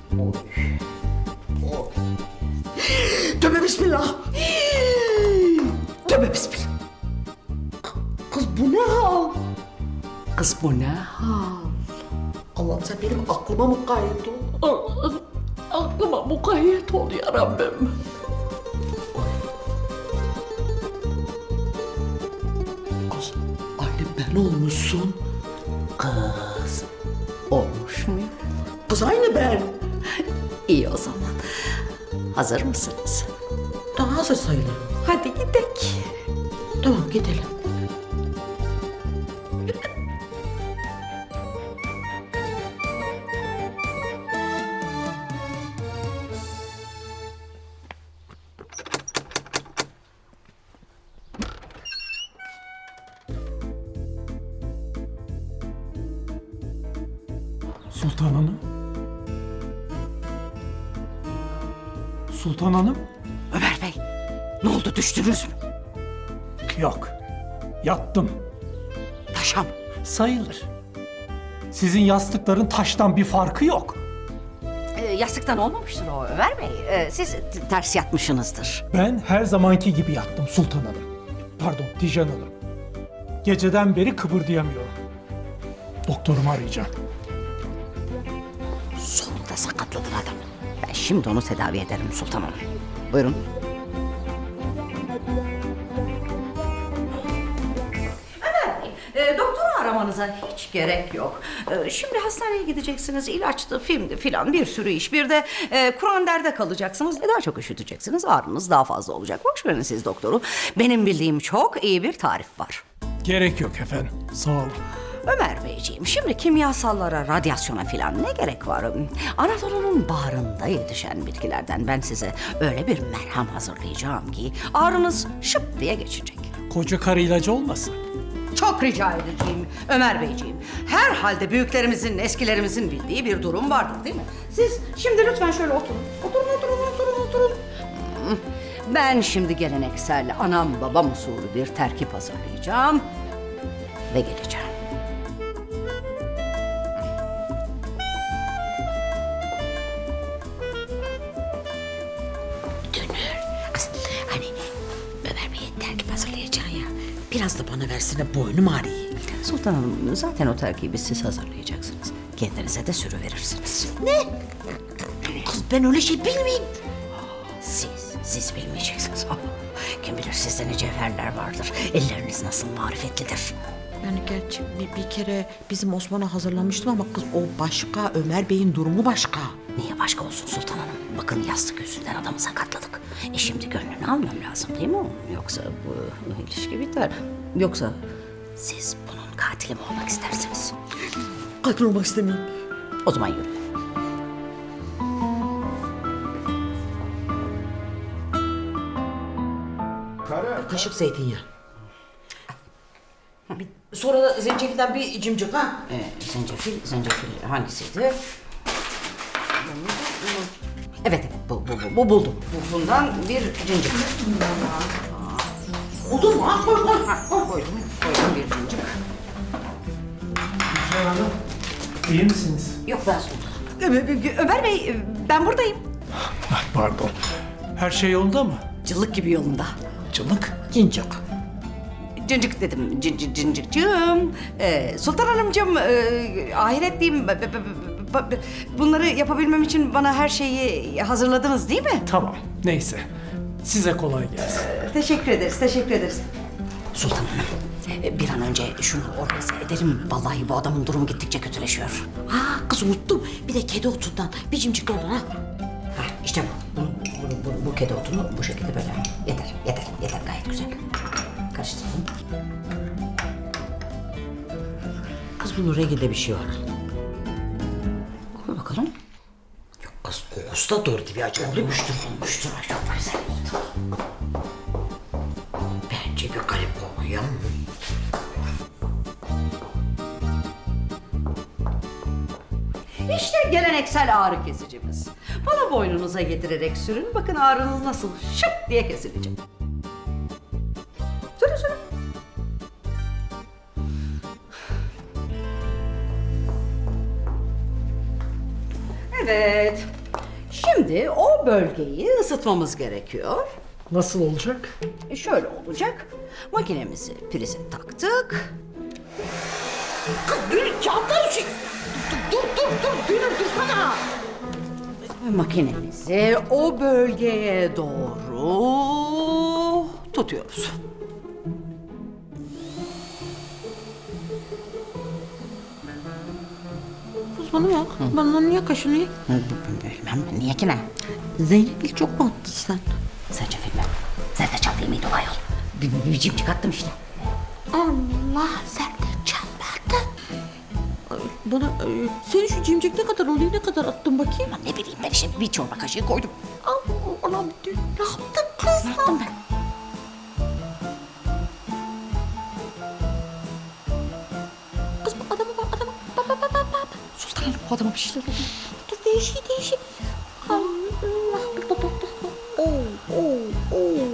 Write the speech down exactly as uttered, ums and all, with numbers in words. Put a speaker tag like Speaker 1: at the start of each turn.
Speaker 1: Oy. Oy. Tövbe bismillah. Tövbe bismillah. Kız bu ne hal? Kız bu ne hal? Allah'ım sen benim aklıma mukayyet ol. Allah'ım aklıma mukayyet ol ya Rabbim. Kız aynı ben olmuşsun. Kız olmuş muyum? Kız aynı ben.
Speaker 2: İyi o zaman. Hazır mısınız?
Speaker 1: Daha hazır sayılır.
Speaker 2: Hadi gidelim.
Speaker 1: Tamam gidelim.
Speaker 3: Sultan Hanım? Sultan Hanım?
Speaker 2: Ömer Bey, ne oldu, düştünüz mü?
Speaker 3: Yok. Yattım.
Speaker 2: Taşa mı?
Speaker 3: Sayılır. Sizin yastıkların taştan bir farkı yok.
Speaker 2: Ee, yastıktan olmamıştır o Ömer Bey. Ee, siz t- ters yatmışsınızdır.
Speaker 3: Ben her zamanki gibi yattım Sultan Hanım. Pardon, Tijan Hanım. Geceden beri kıpırdayamıyorum. Doktorumu arayacağım.
Speaker 2: Sonunda sakatladın adamı. Ben şimdi onu tedavi ederim Sultan Hanım. Buyurun. E, doktoru aramanıza hiç gerek yok. E, şimdi hastaneye gideceksiniz, ilaçtı, filmdi filan bir sürü iş. Bir de e, Kur'an derde kalacaksınız. E, daha çok üşüteceksiniz, ağrınız daha fazla olacak. Boş verin siz doktoru. Benim bildiğim çok iyi bir tarif var.
Speaker 3: Gerek yok efendim. Sağ olun.
Speaker 2: Ömer Beyciğim, şimdi kimyasallara, radyasyona filan ne gerek var? Anadolu'nun bağrında yetişen bitkilerden ben size öyle bir merhem hazırlayacağım ki ağrınız şıp diye geçecek.
Speaker 3: Koca karı ilacı olmasın?
Speaker 2: Çok rica edeceğim Ömer Beyciğim. Herhalde büyüklerimizin, eskilerimizin bildiği bir durum vardır değil mi? Siz şimdi lütfen şöyle oturun. Oturun, oturun, oturun, oturun. Hmm, Ben şimdi geleneksel anam babam usulü bir terkip hazırlayacağım ve geleceğim.
Speaker 1: Hani Ömer Bey'e terkip hazırlayacaksın ya. Biraz da bana versene, boynum ağrıyor.
Speaker 2: Sultan Hanım, zaten o terkibi siz hazırlayacaksınız. Kendinize de sürü verirsiniz.
Speaker 1: Kız ben öyle şey bilmeyeyim.
Speaker 2: Siz, siz bilmeyeceksiniz. Kim bilir sizde ne cevherler vardır. Elleriniz nasıl marifetlidir.
Speaker 1: Yani gerçi bir, bir kere bizim Osman'a hazırlamıştım ama kız o başka, Ömer Bey'in durumu başka.
Speaker 2: Niye başka olsun Sultan Hanım? Bakın yastık yüzünden adamı sakatladık. E şimdi gönlünü almam lazım değil mi onun? Yoksa bu ilişki biter. Yoksa siz bunun katili mi olmak istersiniz?
Speaker 1: Katil olmak istemiyorum.
Speaker 2: O zaman yürüyün.
Speaker 1: Kaşık zeytinyağı. Bir, sonra da zencefilden bir cimcik ha.
Speaker 2: Ee, zencefil, zencefil hangisiydi? Evet, evet, bu, bu, bu, bu buldum. Bu, bundan bir cincik.
Speaker 1: Buldun mu? Ha, koy koy.
Speaker 2: Ha, koydum, koydum bir cincik.
Speaker 3: Tijan Hanım, iyi misiniz?
Speaker 2: Yok ben sultanım. Ömer Bey, ben buradayım.
Speaker 3: Ah, pardon. Her şey yolunda mı?
Speaker 2: Cıllık gibi yolunda.
Speaker 3: Cılık.
Speaker 1: Cincik.
Speaker 2: Cincik dedim, cin, cin, cincikcığım. Ee, Sultan Hanımcığım, e, ahiretliyim. B- b- b- b- Bunları yapabilmem için bana her şeyi hazırladınız değil mi?
Speaker 3: Tamam, neyse. Size kolay gelsin.
Speaker 2: Teşekkür ederiz, teşekkür ederiz. Sultan Hanım, e, bir an önce şunu organize edelim. Vallahi bu adamın durumu gittikçe kötüleşiyor.
Speaker 1: Ha kız unuttum. Bir de kedi otundan bir cimcik olur ha.
Speaker 2: Ha, işte bu. Bunu, bunu, bunu, bu kedi otunu bu şekilde böyle. Yeter, yeter, yeter gayet güzel. Karıştıralım.
Speaker 1: Kız bunun renginde bir şey var.
Speaker 2: Koy bakalım.
Speaker 1: Yok kız kokusu da doğru gibi acı olmuştur.
Speaker 2: Olmuştur, ay çok güzel oldu.
Speaker 1: Bence bir garip kokuyor.
Speaker 2: İşte geleneksel ağrı kesicimiz. Bunu boynunuza getirerek sürün. Bakın ağrınız nasıl şıp diye kesilecek. Sürün sürün. Evet. Şimdi o bölgeyi ısıtmamız gerekiyor.
Speaker 3: Nasıl olacak?
Speaker 2: E, Şöyle olacak. Makinemizi prize taktık.
Speaker 1: Kız Gönül kağıtlar için. Dur dur dur dur Gönül dursana.
Speaker 2: Makinemizi o bölgeye doğru tutuyoruz.
Speaker 4: Kız bana bak. Bana niye kaşınıyor?
Speaker 2: Bilmem niye ki ne?
Speaker 4: Zeynep'le çok mu attın sen?
Speaker 2: Sence filmi? Zerre çaldığı mıydı o ayol? Bir, bir, bir cimcik attım işte.
Speaker 4: Allah sen de çalmadın. Ay, bana e, senin şu cimcik ne kadar oluyor, ne kadar attın bakayım?
Speaker 2: Aman ne bileyim ben işte bir çorba kaşığı koydum.
Speaker 4: Allah'ım dün ne yaptın kız?
Speaker 2: Ne yaptım ben?
Speaker 4: Kız bu adama bak, adama bak bak bak bak bak.
Speaker 2: Sultan Hanım bu adama bir şeyler oldu.
Speaker 4: Kız değişik değişik. Allah bak bak bak bak. Oo oo oo.